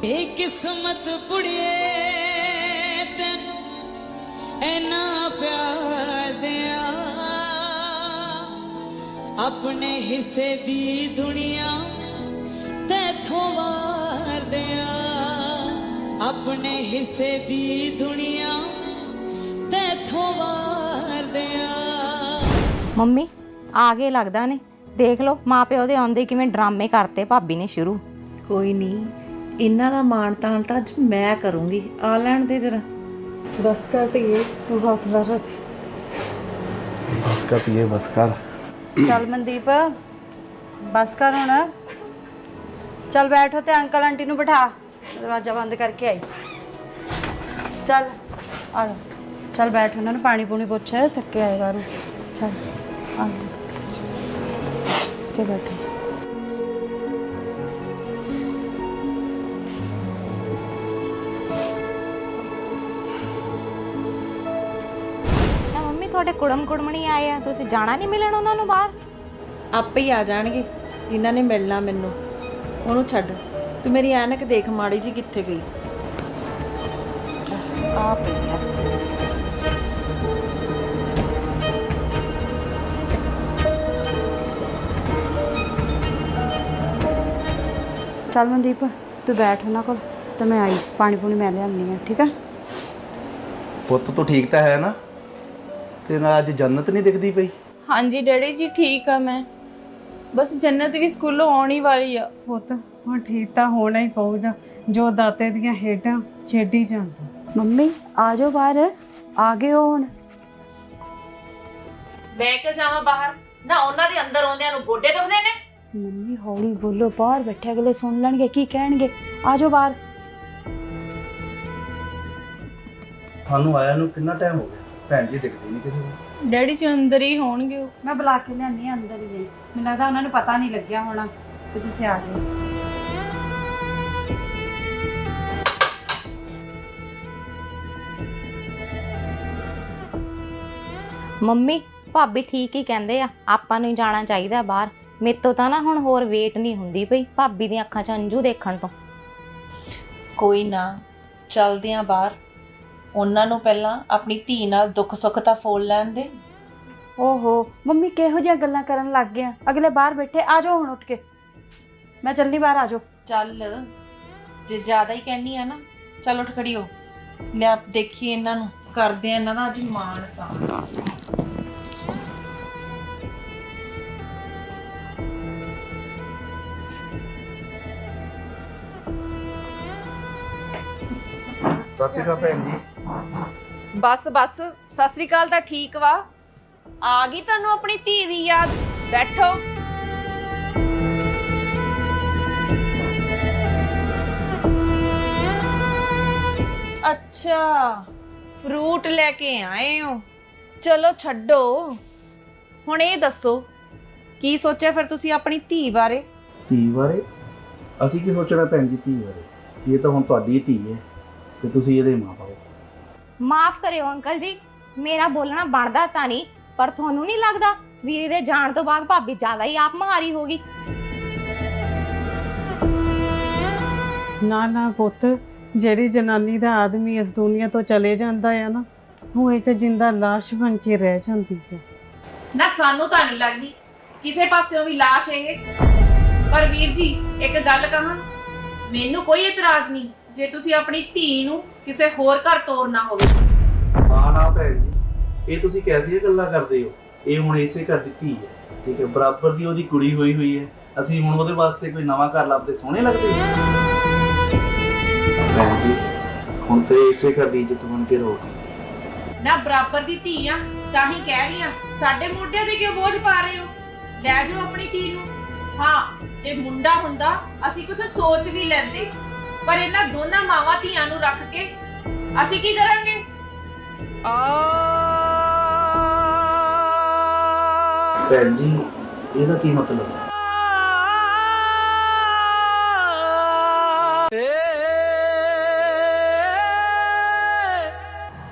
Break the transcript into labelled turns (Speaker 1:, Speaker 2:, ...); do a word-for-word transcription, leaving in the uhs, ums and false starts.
Speaker 1: किस्मत बुढ़िए तेन ऐना प्यार दिया अपने हिस्से दी दुनिया तैथों वार दिया अपने हिस्से दी दुनिया तैथों वार दिया।
Speaker 2: ਮੰਮੀ ਆ ਗਏ ਲੱਗਦਾ ਨੇ। ਦੇਖ ਲਓ ਮਾਂ ਪਿਓ ਦੇ ਆਉਂਦੇ ਕਿਵੇਂ ਡਰਾਮੇ ਕਰਤੇ ਭਾਬੀ ਨੇ ਸ਼ੁਰੂ।
Speaker 3: ਕੋਈ ਨਹੀਂ, ਇਹਨਾਂ ਦਾ ਮਾਣ ਤਾਣ ਤਾਂ ਅੱਜ ਮੈਂ ਕਰੂੰਗੀ। ਆ ਲੈਣ ਦੇ ਜਰਾ।
Speaker 4: बस कर धीए तू हौसला रख।
Speaker 5: बस कर धीए बस कर।
Speaker 6: चल मनदीप बस कर हुण। चल बैठो ते अंकल आंटी नूं बिठा, दरवाजा बंद करके आई। चल आ जा, चल बैठ, उन्होंने पानी पूनी पुछ, थके आए बाहरों। चल आ चल बैठो।
Speaker 2: ਮੰਮੀ ਤੁਹਾਡੇ ਕੁੜਮ ਕੁੜਮਣੀ ਆਏ ਆ, ਤੁਸੀਂ ਜਾਣਾ ਨਹੀਂ ਮਿਲਣ ਉਹਨਾਂ ਨੂੰ ਬਾਹਰ?
Speaker 3: ਆਪੇ ਹੀ ਆ ਜਾਣਗੇ ਜਿਨ੍ਹਾਂ ਨੇ ਮਿਲਣਾ ਮੈਨੂੰ। ਉਹਨੂੰ ਛੱਡ, ਤੂੰ ਮੇਰੀ ਐਨਕ ਦੇਖ ਮਾੜੀ ਜੀ ਕਿੱਥੇ ਗਈ।
Speaker 2: ਆ ਪਈ ਆ।
Speaker 6: चल मनदीप तू बैठ उन्होंने कोल, तो मैं आई पानी पूनी मैं लियानी है, ठीक है?
Speaker 5: पुत्त तो ठीक तो है ना? ते नाल अज जन्नत नहीं दिखदी पई?
Speaker 7: हाँ जी डैडी जी ठीक है, मैं बस जन्नत भी स्कूलों आने वाली है।
Speaker 4: पुत हुण ठीक तो होना ही पऊगा, जो दाते दियां हेडां छेडी जांदा।
Speaker 6: मम्मी आ जाओ बाहर, आ गए हो हुण।
Speaker 3: ਮੈਂ ਕਿਉਂ ਜਾਵਾਂ ਬਾਹਰ? ਨਾ ਉਹਨਾਂ ਦੇ ਅੰਦਰ ਆਉਂਦਿਆਂ ਨੂੰ ਗੋਡੇ ਦੁਖਦੇ ਨੇ।
Speaker 6: मम्मी हौली बोलो, बाहर बैठे अगले सुन लैणगे की कहणगे। आ जाओ बाहर।
Speaker 5: थानू आया नू कितना टाइम हो गया? भैन जी दिखदी नहीं किसी को।
Speaker 7: डैडी जी अंदर ही होणगे।
Speaker 6: मैं बुला के लियानी अंदर ही गई, मैनूं लगदा उन्होंने पता नहीं लग्या होना कि तुसीं आ गए।
Speaker 2: ਮੰਮੀ ਭਾਬੀ ਠੀਕ ਹੀ ਕਹਿੰਦੇ ਆ, ਆਪਾਂ ਨੂੰ ਹੀ ਜਾਣਾ ਚਾਹੀਦਾ ਬਾਹਰ। ਮੇਰੇ ਤੋਂ ਤਾਂ ਨਾ ਹੁਣ ਹੋਰ ਵੇਟ ਨਹੀਂ ਹੁੰਦੀ ਪਈ ਭਾਬੀ ਦੀਆਂ ਅੱਖਾਂ 'ਚ ਅੰਜੂ ਦੇਖਣ ਤੋਂ।
Speaker 3: ਕੋਈ ਨਾ, ਚੱਲਦੇ ਆਂ ਬਾਹਰ। ਉਹਨਾਂ ਨੂੰ ਪਹਿਲਾਂ ਆਪਣੀ ਧੀ ਨਾਲ ਦੁੱਖ ਸੁੱਖ ਤਾਂ ਫੋਲ ਲੈਣ ਦੇ।
Speaker 6: ओहो मम्मी किहो जिहियां गल्लां करन लग गए, अगले बाहर बैठे। आ जाओ हुण उठ के, मैं चलनी बाहर। आ जाओ।
Speaker 3: ਚੱਲ ਜੇ ਜ਼ਿਆਦਾ ਹੀ ਕਹਿਨੀ ਆ ਨਾ, ਚੱਲ ਉੱਠ ਖੜੀ ਹੋ। ਲੈ ਦੇਖੀਏ ਇਹਨਾਂ ਨੂੰ, ਕਰਦੇ ਆ ਇਹਨਾਂ ਦਾ ਅੱਜ ਮਾਣ ਤਾਂ।
Speaker 5: सत श्री अकाल भैन जी।
Speaker 7: बस बस सत श्री अकाल ਤਾਂ ਠੀਕ ਵਾ। ਆ ਗਈ ਤੁਹਾਨੂੰ ਆਪਣੀ ਧੀ ਦੀ ਯਾਦ? ਬੈਠੋ। ਅੱਛਾ ਫਰੂਟ ਲੈ ਕੇ ਆਏ ਹੋ, ਚਲੋ ਛੱਡੋ। ਹੁਣ ਇਹ ਦੱਸੋ ਕੀ ਸੋਚਿਆ ਫਿਰ ਤੁਸੀਂ ਆਪਣੀ ਧੀ ਬਾਰੇ?
Speaker 5: ਧੀ ਬਾਰੇ ਅਸੀਂ ਕੀ ਸੋਚਣਾ ਭੈਣ ਜੀ? ਧੀ ਬਾਰੇ ਇਹ ਤਾਂ ਹੁਣ ਤੁਹਾਡੀ ਧੀ ਹੈ ਤੇ ਤੁਸੀਂ ਇਹਦੇ ਮਾਂ ਬਾਪ।
Speaker 2: ਮਾਫ ਕਰਿਓ ਅੰਕਲ ਜੀ, ਮੇਰਾ ਬੋਲਣਾ ਬਣਦਾ ਤਾਂ ਨਹੀਂ, ਪਰ ਤੁਹਾਨੂੰ ਨਹੀਂ ਲੱਗਦਾ ਵੀਰੇ ਦੇ ਜਾਣ ਤੋਂ ਬਾਅਦ ਭਾਬੀ ਜ਼ਿਆਦਾ ਹੀ ਆਪ ਮਹਾਰੀ ਹੋ ਗਈ?
Speaker 4: ना ना पुत, ਜਿਹੜੀ ਜਨਾਨੀ ਦਾ ਆਦਮੀ ਇਸ ਦੁਨੀਆ ਤੋਂ ਚਲੇ ਜਾਂਦਾ ਹੈ ਨਾ, ਉਹ ਇੱਕ ਜਿੰਦਾ ਲਾਸ਼ ਬਣ ਕੇ ਰਹਿ ਜਾਂਦੀ ਹੈ।
Speaker 7: ਨਾ ਸਾਨੂੰ ਤਾਂ ਨਹੀਂ ਲੱਗਦੀ ਕਿਸੇ ਪਾਸਿਓਂ ਵੀ ਲਾਸ਼ ਇਹ। ਪਰ ਵੀਰ ਜੀ ਇੱਕ ਗੱਲ ਕਹਾਂ, ਮੈਨੂੰ ਕੋਈ ਇਤਰਾਜ਼ ਨਹੀਂ ਜੇ ਤੁਸੀਂ ਆਪਣੀ ਧੀ ਨੂੰ ਕਿਸੇ ਹੋਰ ਘਰ ਤੋਰਨਾ ਹੋਵੇ।
Speaker 5: ਨਾ ਨਾ ਭੈਣ ਜੀ, ਇਹ ਤੁਸੀਂ ਕੈਸੀਆਂ ਗੱਲਾਂ ਕਰਦੇ ਹੋ? ਇਹ ਹੁਣ ਇਸੇ ਘਰ ਦੀ ਧੀ ਹੈ, ਠੀਕ ਹੈ, ਬਰਾਬਰ ਦੀ ਉਹਦੀ ਕੁੜੀ ਹੋਈ ਹੋਈ ਹੈ। ਅਸੀਂ ਹੁਣ ਉਹਦੇ ਵਾਸਤੇ ਕੋਈ ਨਵਾਂ ਘਰ ਲੱਭਦੇ ਸੋਹਣੇ ਲੱਗਦੇ ਭੈਣ ਜੀ? ਹੁਣ ਤੇ ਇਸੇ ਘਰ ਦੀ ਇੱਜ਼ਤ ਬਣ ਕੇ ਰਹੋਗੀ।
Speaker 7: ਨਾ ਬਰਾਬਰ ਦੀ ਧੀ ਆ ਤਾਂ ਹੀ ਕਹਿ ਰਹੀ ਆ, ਸਾਡੇ ਮੋਢਿਆਂ ਤੇ ਕਿਉਂ ਬੋਝ ਪਾ ਰਹੇ ਹੋ? ਲੈ ਜਾਓ ਆਪਣੀ ਧੀ ਨੂੰ। ਹਾਂ ਜੇ ਮੁੰਡਾ ਹੁੰਦਾ ਅਸੀਂ ਕੁਝ ਸੋਚ ਵੀ ਲੈਂਦੇ, ਪਰ ਇਹਨਾਂ ਦੋਨਾਂ ਮਾਵਾਂ ਧੀਆਂ ਨੂੰ ਰੱਖ ਕੇ ਅਸੀਂ ਕੀ ਕਰਾਂਗੇ?
Speaker 5: ਭੈਣ ਜੀ ਇਹਦਾ ਕੀ ਮਤਲਬ ਹੈ?